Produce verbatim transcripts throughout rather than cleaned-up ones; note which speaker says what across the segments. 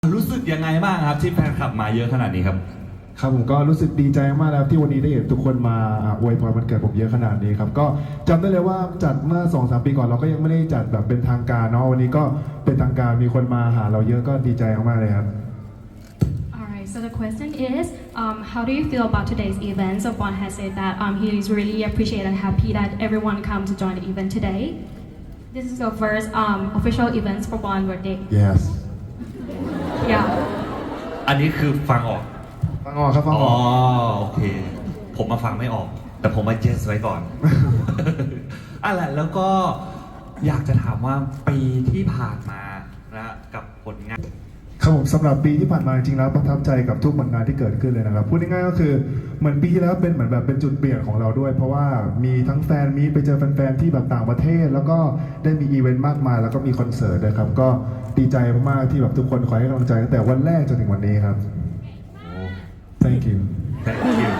Speaker 1: รู้สึกยังไงบ้างครับที่แฟนคลับมาเยอะขนาดนี้ครับ
Speaker 2: ครับผมก็รู้สึกดีใจมากแล้วที่วันนี้ได้เห็นทุกคนมาอวยพรวันเกิดผมเยอะขนาดนี้ครับก็จำได้เลยว่าจัดเมื่อ สองสาม ปีก่อนเราก็ยังไม่ได้จัดแบบเป็นทางการเนาะวันนี้ก็เป็นทางการมีคนมาหาเราเยอะก็ดีใจมากๆเลยครับ
Speaker 3: Alright, so the question is, um, how do you feel about today's event? So Bon has said that um, he is really appreciated and happy that everyone come to join the event today. This is the first um, official event for Bon birthday.
Speaker 2: yes
Speaker 3: Yeah.
Speaker 1: อันนี้คือฟังออก
Speaker 2: ฟังออกครับฟังอ
Speaker 1: อ๋อ
Speaker 2: อก
Speaker 1: โอเค ผมมาฟังไม่ออก แต่ผมมาเจสไว้ก่อน อะไรแล้วก็อยากจะถามว่าปีที่ผ่านมานะกับผลงาน
Speaker 2: ครับผมสำหรับปีที่ผ่านมาจริงๆแล้วประทับใจกับทุกผลงานที่เกิดขึ้นเลยนะครับพูดง่ายๆก็คือเหมือนปีที่แล้วเป็นเหมือนแบบเป็นจุดเปลี่ยนของเราด้วย เพราะว่ามีทั้งแฟนมีไปเจอแฟนๆที่แบบต่างประเทศ แล้วก็ได้มีอีเวนต์มากมายแล้วก็มีคอนเสิร์ตด้วยครับก็ดีใจมากๆที่แบบทุกคนคอยให้กำลังใจตั้งแต่วันแรกจนถึงวันนี้ครับ thank you
Speaker 1: Thank you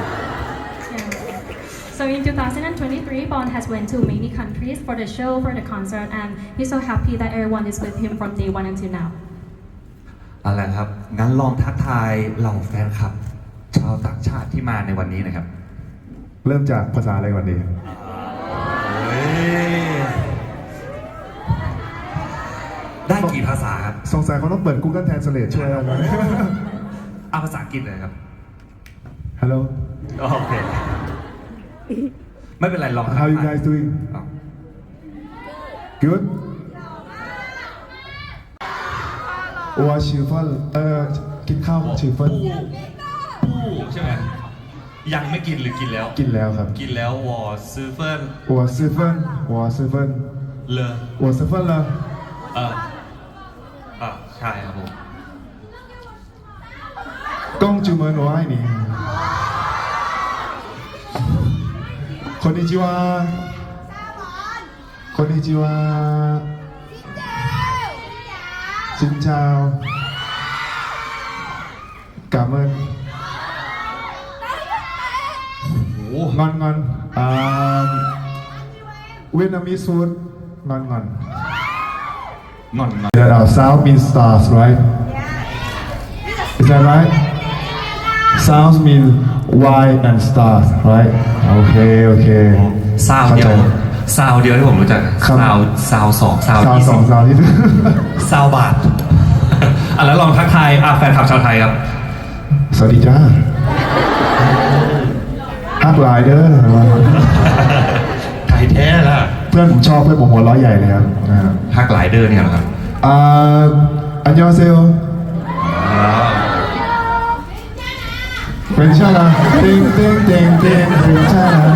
Speaker 3: So in twenty twenty-three, Bon has went to many countries for the show, for the concert, and he's so happy that everyone is with him from day one until now.
Speaker 1: เอาละครับงั้นลองทักทายเหล่าแฟนคลับ ชาวต่างชาติที่มาในวันนี้นะครับ
Speaker 2: เริ่มจากภาษาอะไรก่อนดี
Speaker 1: เฮ้ยได้กี่ภาษาครับ
Speaker 2: สงสัยเขาต้องเปิด Google Translate ช่วยเราหน่อย
Speaker 1: เอาภาษาอังกฤษเลยครับ
Speaker 2: Hello
Speaker 1: โอเค ไม่เป็นไรลอง
Speaker 2: how you guys doing
Speaker 1: อ้าว
Speaker 2: good วัวชิฟเฟิลเอ่อกินข้าวชิฟเฟิล
Speaker 1: ผู้ผู้ใช่ไหมยังไม่กินหรือกินแล้ว
Speaker 2: กินแล้วครับ
Speaker 1: กินแล้ววอซื้อเฟิร์น
Speaker 2: วัวชิฟเฟิลวัวชิฟเฟิล
Speaker 1: เลอ
Speaker 2: วัวชิฟเฟิลเลย
Speaker 1: เอออ่ะใช่ครับผม
Speaker 2: กงจูเมนโอไอนี่คนนิจิวาคนนิจิวาชินเจ้ากาเมิน
Speaker 1: โอ้
Speaker 2: งอนงอนอ่าเวียดนามิสฟูดงอนงอน
Speaker 1: งอนงอน
Speaker 2: There are South means stars, right? Is that right? Sounds mean white and stars, right? Okay, okay.
Speaker 1: ซาวเดียว
Speaker 2: ข้าใจ
Speaker 1: ซาวเดียวที่ผมรู้จัก
Speaker 2: ครับ
Speaker 1: ซาวซาวสองซาว
Speaker 2: ซาว
Speaker 1: ยี่
Speaker 2: ส
Speaker 1: สิ
Speaker 2: อบ งซาวที่
Speaker 1: ซาวบาท อ่ะแล้วลองทักทายอ่ะแฟนคลับชาวไทยครับ
Speaker 2: สวัสดีจ้าฮักหลายเด้อ
Speaker 1: ไทยแท้ล่ะ
Speaker 2: เพื่อนผมชอบเพื่อนผมหัวเร้อยใหญ่เลยครับอ่า
Speaker 1: ฮักหลายเดอร์เนี่ยเหรอครับ
Speaker 2: อ่าอันยองเซล
Speaker 1: อ่า
Speaker 2: เป็นชาลาเต็งเต็งเต็งเต็งเป็นชาลา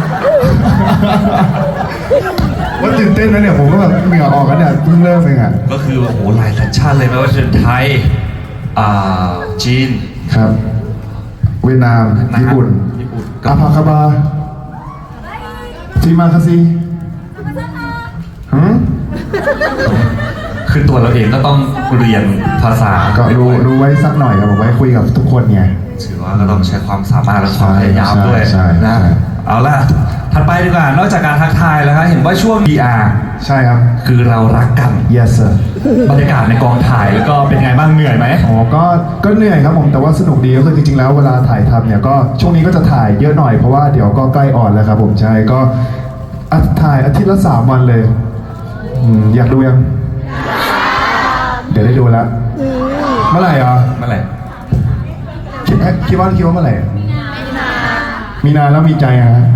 Speaker 2: ว่าตื่นเต้นนะเนี่ยผมก็แบบเหงื่อออกกันเนี่ยเพิ่งเริ่มเองอ่ะ
Speaker 1: ก็คือโอ้โหหลายสัญชาติเลยไม่ว่าจะเป็นไทยอ่าจีน
Speaker 2: ครับ เวียดนาม
Speaker 1: นะ
Speaker 2: ญี่ปุ่น
Speaker 1: ญี่ปุ่น
Speaker 2: อาพาคาบาทีมาคาซีหืม
Speaker 1: คือตัวเราเองก็ต้องเรียนภาษา
Speaker 2: ก็รู้รู้ไว้สักหน่อยครับผมไว้คุยกับทุกคนไง
Speaker 1: ถือว่าก็ต้องใช้ความสามารถและความพยายามด้วย
Speaker 2: ใช่ใช่
Speaker 1: นะ
Speaker 2: ใช่
Speaker 1: เอาล่ะถัดไปดีกว่านอกจากการทักทายแล้วครับเห็นว่าช่วง พี อาร์
Speaker 2: ใช่ครับ
Speaker 1: คือเรารักกัน
Speaker 2: yes sir
Speaker 1: บรรยากาศในกองถ่ายแล้วก็เป็นไงบ้างเหนื่อยไหม
Speaker 2: อ๋อก็ก็เหนื่อยครับผมแต่ว่าสนุกดีก็คือจริงๆแล้วเวลาถ่ายทำเนี่ยก็ช่วงนี้ก็จะถ่ายเยอะหน่อยเพราะว่าเดี๋ยวก็ใกล้ออนแล้วครับผมใช่ก็อ่ะถ่ายอาทิตย์ละสามวันเลยอืมอยากดูยัง เดี๋ยวได้ดูแล้วเมื่อไหร่อ่ะ
Speaker 1: เมื่อไหร่
Speaker 2: คิดคิดว่าคิดว่าเมื่อไหร่มีนาแล้วมีใจอะฮะ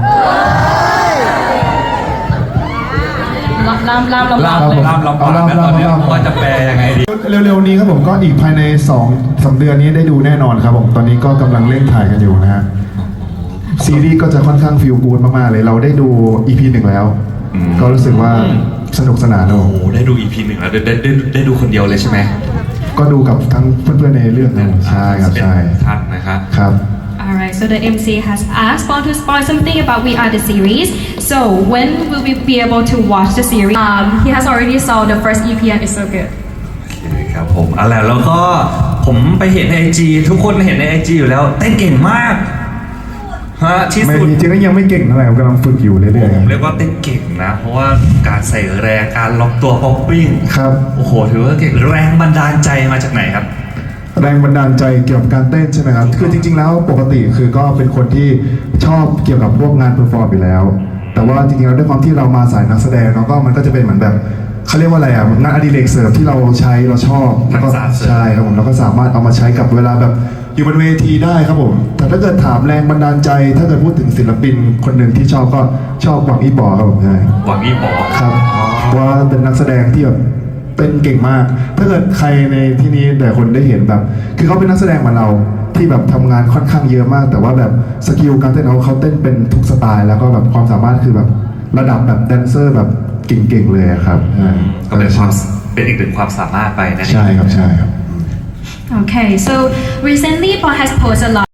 Speaker 3: ลำลำลำ
Speaker 1: ล่าม
Speaker 3: ลำเลย
Speaker 1: ล่ามลำบากนะตอนนี้ว่าจะแปลยังไงดี
Speaker 2: เร็วๆนี้ครับผมก็อีกภายในสองสามเดือนนี้ได้ดูแน่นอนครับผมตอนนี้ก็กำลังเร่งถ่ายกันอยู่นะฮะซีรีส์ก็จะค่อนข้างฟีลกูดมากๆเลยเราได้ดู อี พี หนึ่งแล้ว
Speaker 1: อืม
Speaker 2: ก็รู้สึกว่าสนุกสนานโอ้
Speaker 1: โอ้โหได้ดู อี พี หนึ่งแล้วได้ได้ได้ได้ดูคนเดียวเลยใช่ไหม
Speaker 2: ก็ดูกับทั้งเพื่อนๆในเรื่องนะใช่ครับใช่
Speaker 1: ท่านนะครับ
Speaker 2: ครับ
Speaker 3: Alright, so the M C has asked Bon to spoil something about We Are the series. So when will we be able to watch the series? Um, he has already saw the first E P and it's so good.
Speaker 1: โอเคครับผมอะไรแล้วก็ผมไปเห็นในไอจีทุกคนเห็นในไอจีอยู่แล้วเต้นเก่งมากฮะที่
Speaker 2: ไม่
Speaker 1: สุด
Speaker 2: จริงๆก็ยังไม่เก่งเท่าไหร่ผมกำลังฝึกอยู่เรื่อยๆ
Speaker 1: ผ
Speaker 2: ครั
Speaker 1: ม
Speaker 2: บ
Speaker 1: เรียกว่าเต้นเก่งนะ เพราะว่าการใส่แรงการล็อกตัวป๊อปปิ้ง
Speaker 2: ครับ
Speaker 1: โอ้โหถือว่าเก่งแรงบันดาลใจมาจากไหนครับ
Speaker 2: แรงบันดาลใจเกี่ยวกับการเต้นใช่ไหมครับ คือจริงๆ แล้วปกติคือก็เป็นคนที่ชอบเกี่ยวกับพวกงานเพอร์ฟอร์มอยู่แล้ว แต่ว่าจริงๆ แล้วด้วยความที่เรามาสายนักแสดงเนาะก็มันก็จะเป็นเหมือนแบบเขาเรียกว่าอะไรอ่ะงานอดิเรกเสริมที่เราใช้เราชอบแล้วก็
Speaker 1: ทักษะเสริม
Speaker 2: ใช่ครับผมเราก็สามารถเอามาใช้กับเวลาแบบอยู่บนเวทีได้ครับผม แต่ถ้าเกิดถามแรงบันดาลใจ ถ้าเกิดพูดถึงศิลปินคนหนึ่งที่ชอบก็ชอบหวังอี้ปอครับผมใช่
Speaker 1: หวังอี้ป๋อ
Speaker 2: ครับเพราะว่าเป็นนักแสดงที่แบบเต้นเก่งมาก ถ้าเกิดใครในที่นี้แต่คนได้เห็นแบบ คือเขาเป็นนักแสดงเหมือนเราที่แบบทำงานค่อนข้างเยอะมาก แต่ว่าแบบสกิลการเต้นเขาเขาเต้นเป็นทุกสไตล์ แล้วก็แบบความสามารถคือแบบระดับแบบแดนเซอร์แบบเก่งๆเลยอะครับใช่
Speaker 1: ก็เป็นความเป็นอีกหนึ่งความสามารถไปนั่นเอง
Speaker 2: ใช่ครับใช่ครับ
Speaker 3: Okay, so recently Bon has posted a lot